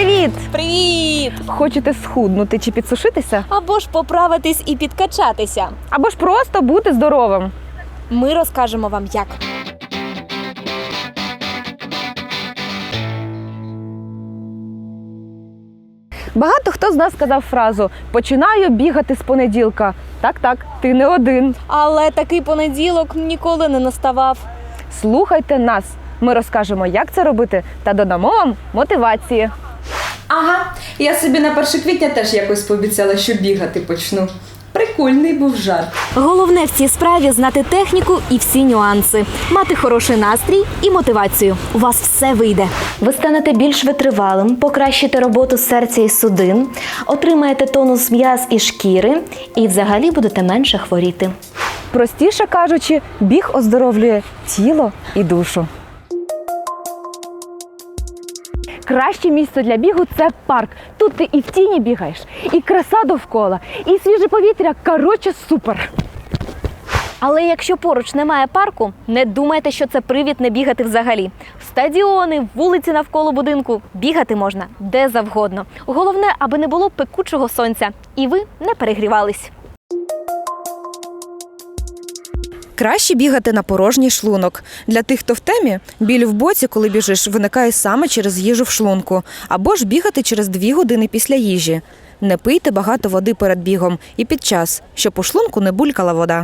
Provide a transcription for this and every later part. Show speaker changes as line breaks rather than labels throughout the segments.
Привіт!
Привіт!
Хочете схуднути чи підсушитися?
Або ж поправитись і підкачатися.
Або ж просто бути здоровим.
Ми розкажемо вам як.
Багато хто з нас сказав фразу «починаю бігати з понеділка». Так, ти не один.
Але такий понеділок ніколи не наставав.
Слухайте нас. Ми розкажемо, як це робити, та додамо вам мотивації.
Ага, я собі на 1 квітня теж якось пообіцяла, що бігати почну. Прикольний був жарт.
Головне в цій справі знати техніку і всі нюанси. Мати хороший настрій і мотивацію. У вас все вийде.
Ви станете більш витривалим, покращите роботу серця і судин, отримаєте тонус м'яз і шкіри і взагалі будете менше хворіти.
Простіше кажучи, біг оздоровлює тіло і душу. Краще місце для бігу – це парк. Тут ти і в тіні бігаєш, і краса довкола, і свіже повітря. Коротше, супер!
Але якщо поруч немає парку, не думайте, що це привід не бігати взагалі. Стадіони, вулиці навколо будинку – бігати можна де завгодно. Головне, аби не було пекучого сонця і ви не перегрівались.
Краще бігати на порожній шлунок. Для тих, хто в темі, біль в боці, коли біжиш, виникає саме через їжу в шлунку. Або ж бігати через 2 години після їжі. Не пийте багато води перед бігом і під час, щоб у шлунку не булькала вода.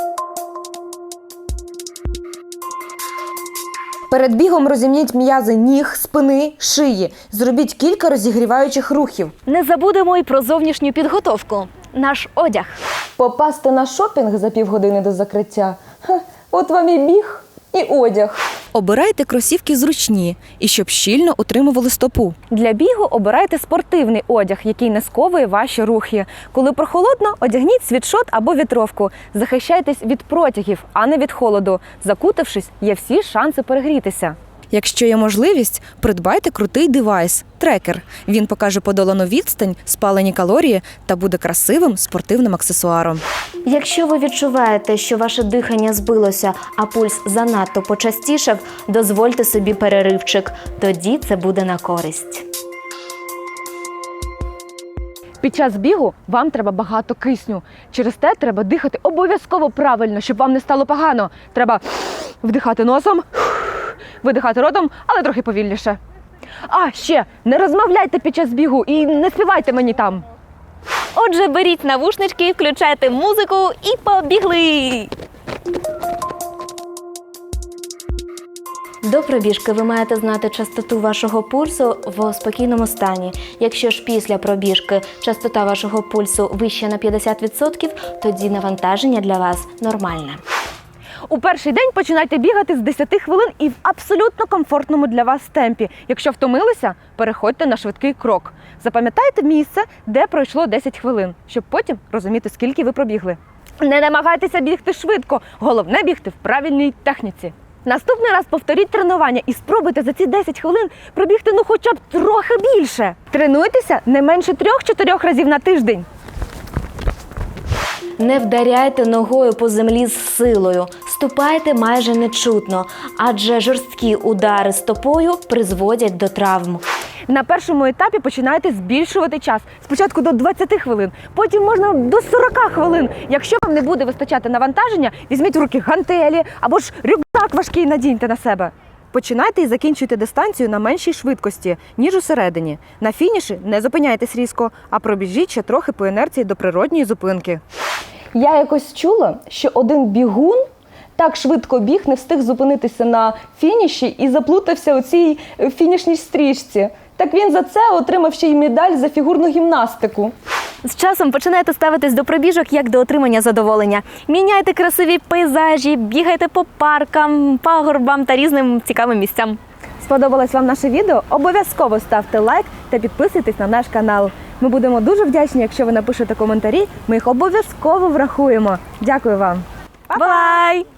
Перед бігом розімніть м'язи ніг, спини, шиї. Зробіть кілька розігріваючих рухів.
Не забудемо і про зовнішню підготовку. Наш одяг.
Попасти на шопінг за півгодини до закриття – от вам і біг, і одяг.
Обирайте кросівки зручні і щоб щільно утримували стопу.
Для бігу обирайте спортивний одяг, який не сковує ваші рухи. Коли прохолодно, одягніть світшот або вітровку. Захищайтесь від протягів, а не від холоду. Закутавшись, є всі шанси перегрітися.
Якщо є можливість, придбайте крутий девайс – трекер. Він покаже подолану відстань, спалені калорії та буде красивим спортивним аксесуаром.
Якщо ви відчуваєте, що ваше дихання збилося, а пульс занадто почастішав, дозвольте собі переривчик. Тоді це буде на користь.
Під час бігу вам треба багато кисню. Через те треба дихати обов'язково правильно, щоб вам не стало погано. Треба вдихати носом, видихати ротом, але трохи повільніше. А, ще, не розмовляйте під час бігу і не співайте мені там.
Отже, беріть навушнички, включайте музику і побігли!
До пробіжки ви маєте знати частоту вашого пульсу в спокійному стані. Якщо ж після пробіжки частота вашого пульсу вища на 50%, тоді навантаження для вас нормальне.
У перший день починайте бігати з 10 хвилин і в абсолютно комфортному для вас темпі. Якщо втомилися, переходьте на швидкий крок. Запам'ятайте місце, де пройшло 10 хвилин, щоб потім розуміти, скільки ви пробігли. Не намагайтеся бігти швидко, головне бігти в правильній техніці. Наступний раз повторіть тренування і спробуйте за ці 10 хвилин пробігти хоча б трохи більше. Тренуйтеся не менше 3-4 разів на тиждень.
Не вдаряйте ногою по землі з силою, ступайте майже нечутно, адже жорсткі удари стопою призводять до травм.
На першому етапі починайте збільшувати час. Спочатку до 20 хвилин, потім можна до 40 хвилин. Якщо вам не буде вистачати навантаження, візьміть в руки гантелі або ж рюкзак важкий надіньте на себе. Починайте і закінчуйте дистанцію на меншій швидкості, ніж усередині. На фініші не зупиняйтесь різко, а пробіжіть ще трохи по інерції до природньої зупинки. Я якось чула, що один бігун так швидко біг, не встиг зупинитися на фініші і заплутався у цій фінішній стрічці. Так він за це отримав ще й медаль за фігурну гімнастику.
З часом починайте ставитись до пробіжок як до отримання задоволення. Міняйте красиві пейзажі, бігайте по паркам, пагорбам та різним цікавим місцям.
Сподобалось вам наше відео? Обов'язково ставте лайк та підписуйтесь на наш канал. Ми будемо дуже вдячні, якщо ви напишете коментарі, ми їх обов'язково врахуємо. Дякую вам.
Бай!